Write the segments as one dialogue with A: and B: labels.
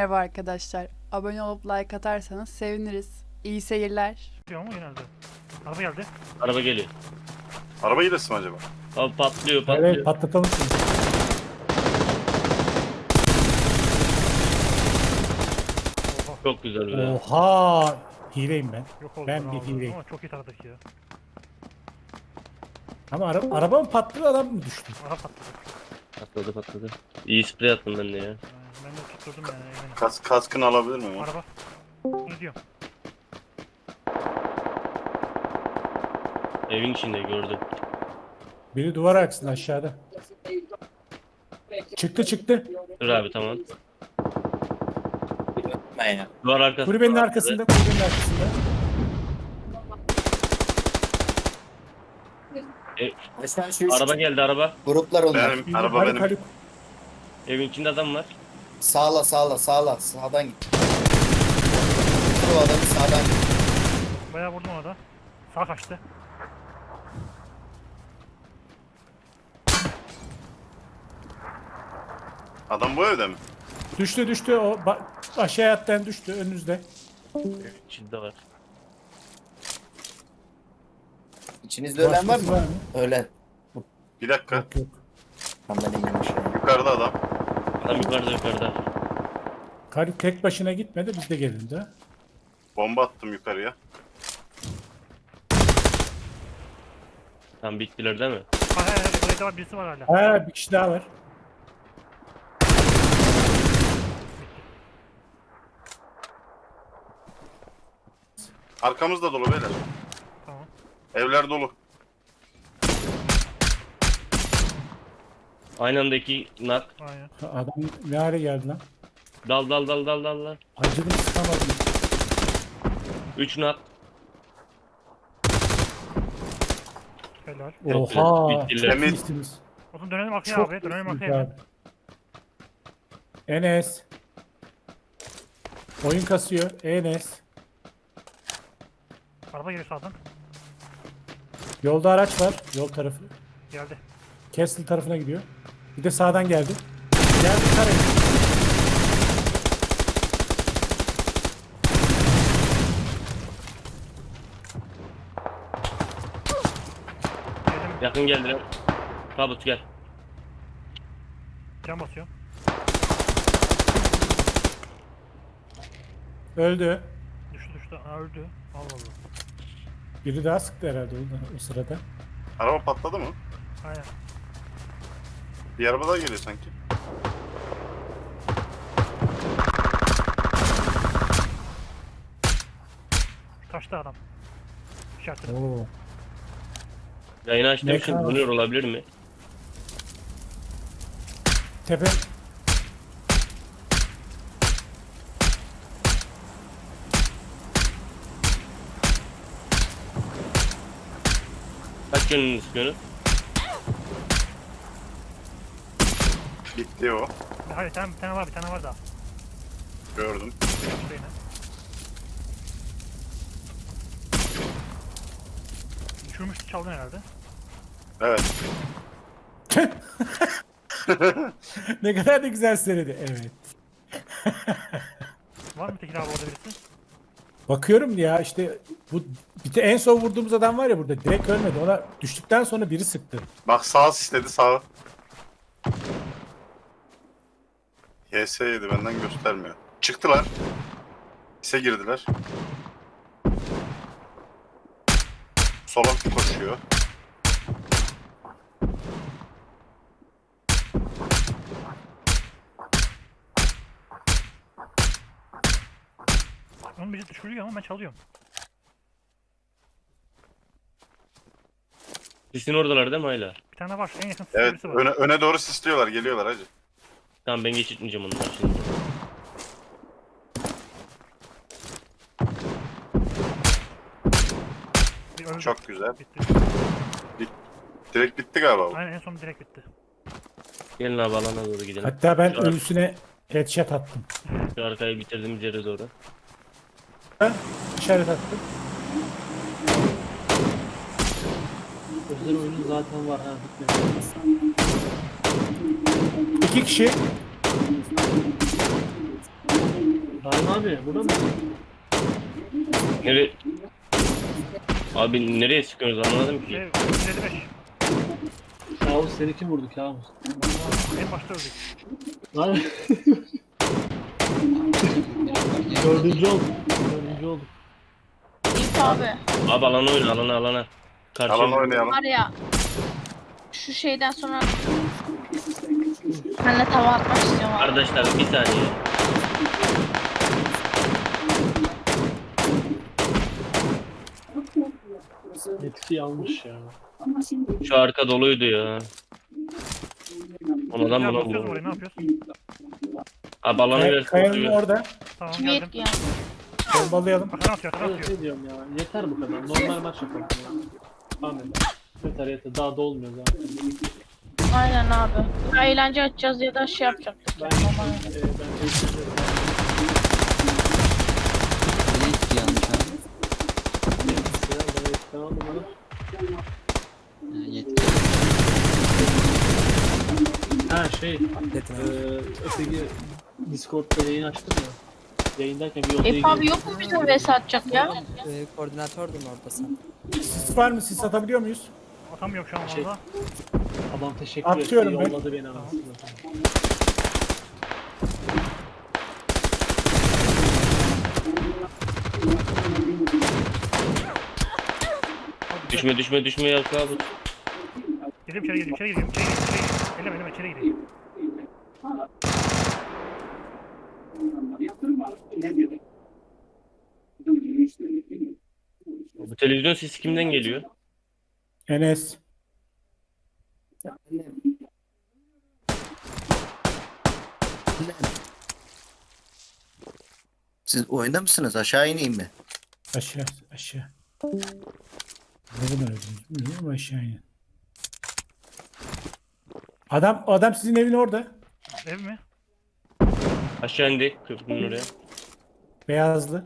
A: Merhaba arkadaşlar. Abone olup like atarsanız seviniriz. İyi seyirler.
B: Diyor mu genelde? Araba geldi.
C: Araba geliyor.
D: Araba gidesin mi acaba?
C: Abi patlıyor.
E: Evet, patlatalım şimdi.
B: Oha.
C: Çok güzel be.
E: Oha! Hileyim ben.
B: Yok oldu.
E: Ben bir
B: abi.
E: hileyim.
B: Ama çok iyi taradık ya.
E: Ama araba mı patladı, adam mı düştü?
B: Araba patladı.
C: Patladı. İyi sprey attım ben de ya.
B: Ben de tutturdum yani eminim.
D: Kaskını alabilir miyim?
B: Araba. Ne diyorum?
C: Evin içinde gördüm.
E: Biri duvar arkasında aşağıda. Çıktı.
C: Dur abi tamam.
F: Ben ya.
C: Duvar arkası.
E: Kulübenin
C: duvar
E: arkasında, kulübenin arkasında.
F: Mesela şu
C: Araba geldi araba.
F: gruplar onlar.
D: Benim, araba
E: Haluk,
D: benim.
E: Haluk.
C: Evin içinde adam var.
F: Sağla. Sağdan git. O adamı sağdan git.
B: Bayağı vurdum ona da. Sağ kaçtı.
D: Adam bu evde mi?
E: Düştü o aşağı yattan düştü önünüzde.
C: Evin içinde var.
F: İçinizde ölen var
E: Başkası
F: mı? Ölen.
D: Bir dakika.
E: Yok.
F: Tam ben ineyim aşağıya.
D: Yukarıda adam.
C: Adam yukarıda.
E: Haluk tek başına gitmedi, biz de gelin de.
D: Bomba attım yukarıya.
C: Tam bittiler değil mi?
B: Hayır. Buraya da var. Birisi var hala.
E: Ha, bir kişi daha var.
D: Arkamızda dolu beyler.
B: Tamam.
D: Evler dolu.
C: Aynı anda iki nak.
B: Aynen.
E: Adam ne hale geldi lan?
C: Dal.
E: Acıdım, sıkamadım.
C: 3 nak.
B: Helal.
C: Çok
E: Oha!
C: güzel, bittiler.
D: Temiz.
E: İyisiniz.
B: O zaman dönelim arkaya
E: Çok
B: abi. Dönelim
E: iyisiniz
B: arkaya.
E: abi. Enes. Oyun kasıyor. Enes.
B: Araba geliyor sağdan.
E: Yolda araç var. Yol tarafı.
B: Geldi.
E: Castle tarafına gidiyor. Bir de sağdan geldi. Geldi karayı.
B: Geldim.
C: Yakın geldiler. Tabut gel.
B: Can basıyor.
E: Öldü.
B: Düştü. Ha, öldü. Allah Allah.
E: Biri daha sıktı herhalde o sırada.
D: Araba patladı mı?
B: Aynen.
D: Bir araba daha geliyor sanki.
B: Taşta adam. İşaretledim.
E: Oo.
C: Yayını açtığım
E: Ne
C: için
E: kadar?
C: donuyor olabilir mi?
E: Tepe.
C: Kaç gönlünü istiyorsun?
D: Bitti o.
B: Hayır bir tane var daha.
D: Gördüm.
B: Taşta yine. Düşürmüştü çaldın herhalde.
D: Evet.
E: Ne kadar da güzel söyledi. Evet.
B: Var mı Tekin abi orada birisi?
E: Bakıyorum ya işte bu en son vurduğumuz adam var ya burada direkt ölmedi. Ona düştükten sonra biri sıktı.
D: Bak sağ istedi sağ. YS yedi benden göstermiyor. Çıktılar. İse girdiler. Sola koşuyor.
B: Onun biri düşürüyor ama ben çalıyorum.
C: Sisin oradalar değil mi hala?
B: Bir tane var. En yakın
D: Evet
B: birisi var.
D: öne doğru sisliyorlar geliyorlar hacı.
C: Tamam ben geçirtmeyeceğim onları şimdi.
B: Bir öldü.
D: Çok güzel.
B: Bitti.
D: Direkt bitti galiba bu.
B: Aynen en son direkt bitti.
C: Gelin abi alana doğru gidelim.
E: Hatta ben
C: Şu ar-
E: ölüsüne headshot attım.
C: Şu arkayı bitirdiğimiz yere doğru.
E: Ben işaret attım.
G: Özel oyunu zaten var ha bitmedi.
E: 2 kişi.
G: Daim abi burada mı?
C: Nereye? Abi nereye sıkıyorsunuz anlamadım ki.
B: 155.
G: Kabus seni kim vurdu kabus?
B: En başta öldük.
G: Lan. Dördüncü olduk. Dördüncü olduk.
H: Eyüp abi
C: Abi alana oyna alana. Karşı
D: Alan oynayalım.
H: var ya şu şeyden sonra senle tava atmak istiyorum abi.
C: Kardeşler bir saniye.
G: Etki almış ya.
C: Şu arka doluydu ya. Onadan
B: Ya
C: buna
B: basıyoruz
C: vurdu.
B: oraya ne yapıyoruz?
C: Abi alanı versin.
E: Kayanın orada.
B: Tamam
H: Kime
B: geldim.
H: yetki yani?
E: Bombalayalım.
B: Arkadan atıyor arkadan
G: Evet
B: atıyor.
G: ne diyorum ya. Yeter bu kadar. Normal maç yapalım ya. Amin. Yeter. Daha da olmuyor zaten.
H: Aynen abi. Ya eğlence açacağız ya da şey yapacaktık.
G: Ben
H: Yani.
G: ben
I: Ne etti yanlış abi?
G: Tamam mı?
I: Yetki.
G: Ha şey. Öteki Discord'da yayın açtım ya. Yayındayken bir odaya
H: Eyüp abi
G: girdim.
H: yok mu bize vs atacak ya?
I: Koordinatördün orada sen.
E: Sis var mı? Sis atabiliyor muyuz?
B: Atamıyorum şu an
G: Şey-
B: valla.
G: Adam teşekkür
E: Atıyorum
G: etti.
E: ben.
G: Yolladı beni anasını.
C: Düşme ya abi.
B: Girdim içeri girdim içeri girdim. Eleme içeri gireyim.
C: Bu televizyon sesi kimden geliyor?
E: Enes.
F: Siz oyunda mısınız? Aşağı ineyim mi?
E: Aşağı. Ne zaman öldünüz bilmiyorum ama aşağı inin. Adam sizin evin orada.
B: Ev mi?
C: Aşağı indi köprünün oraya.
E: Beyazlı.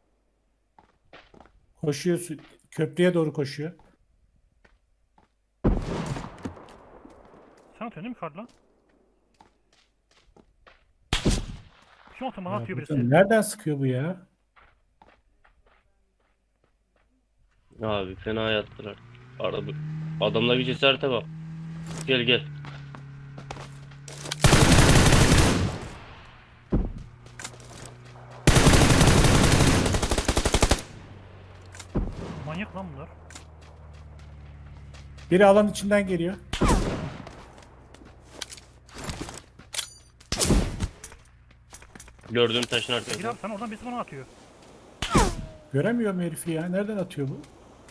E: Koşuyor. Köprüye doğru koşuyor.
B: Sen atıyorsun değil mi karla? Kim atıyor bana
E: Ya
B: atıyor
E: buradan
B: birisi.
E: nereden sıkıyor bu ya?
C: Abi fena yattılar. Arada adamlar bir cesarete bak. Gel.
B: Manyak lan bunlar.
E: Biri alan içinden geliyor.
C: Gördüğüm taşın
B: Gir
C: arkasında.
B: abi sen oradan birisi bana atıyor.
E: Göremiyorum herifi ya. Nereden atıyor bu?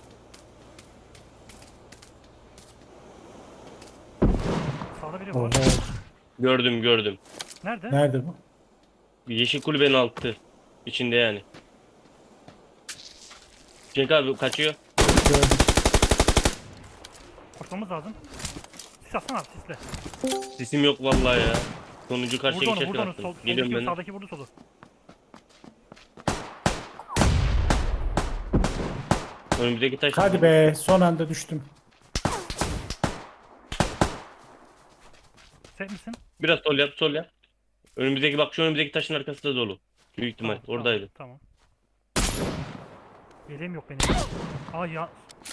B: Sağda biri
E: Oho.
B: var.
C: Gördüm.
B: Nerede?
E: Nerede bu?
C: Yeşil kulübenin altı. İçinde yani. Cenk abi kaçıyor.
E: Gördüm.
B: Koşmamız lazım. Sis atsana abi sisle.
C: Sesim yok vallahi ya. Sonuncu karşıya
B: Vurdu onu
C: geçerken
B: vurdu onu.
C: attım. Geliyorum ben.
B: Sağdaki vurdu solu.
C: Önümüzdeki taş.
E: Hadi be. Son anda düştüm.
B: Sen misin?
C: Biraz sol yap. Önümüzdeki bak şu önümüzdeki taşın arkası da dolu. Büyük ihtimal
B: Tamam,
C: oradaydı.
B: Tamam. Yeleğim yok benim. Aa ya.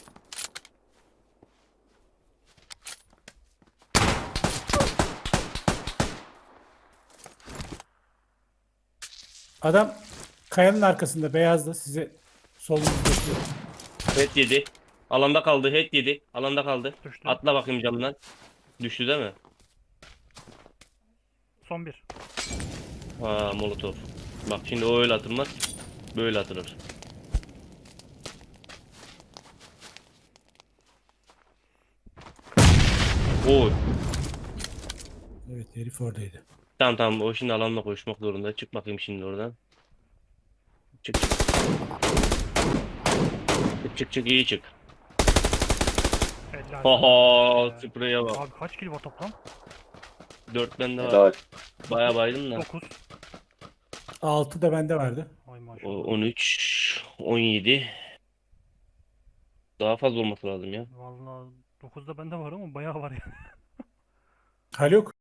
E: Adam kayanın arkasında beyazda size solunuzda bakıyor.
C: Head yedi. Alanda kaldı. Head yedi. Alanda kaldı.
B: Düştü.
C: Atla bakayım camdan. Düştü değil mi?
B: Son bir.
C: Ha molotof. Bak şimdi o öyle atılmaz. Böyle atılır. Oy.
E: Evet herif oradaydı.
C: Tamam o şimdi alanla koşmak zorunda. Çık bakayım şimdi oradan. Çık. Çık iyi çık.
B: Helal.
C: Haha spreye bak.
B: Abi kaç kill var toplam?
C: 4 bende var.
D: Helal.
C: Baya baydım da.
B: 9.
E: 6 da bende vardı.
B: Ay
C: O,
B: maşallah.
C: 13, 17. Daha fazla olması lazım ya.
B: Vallahi 9'da bende var ama bayağı var ya.
E: Haluk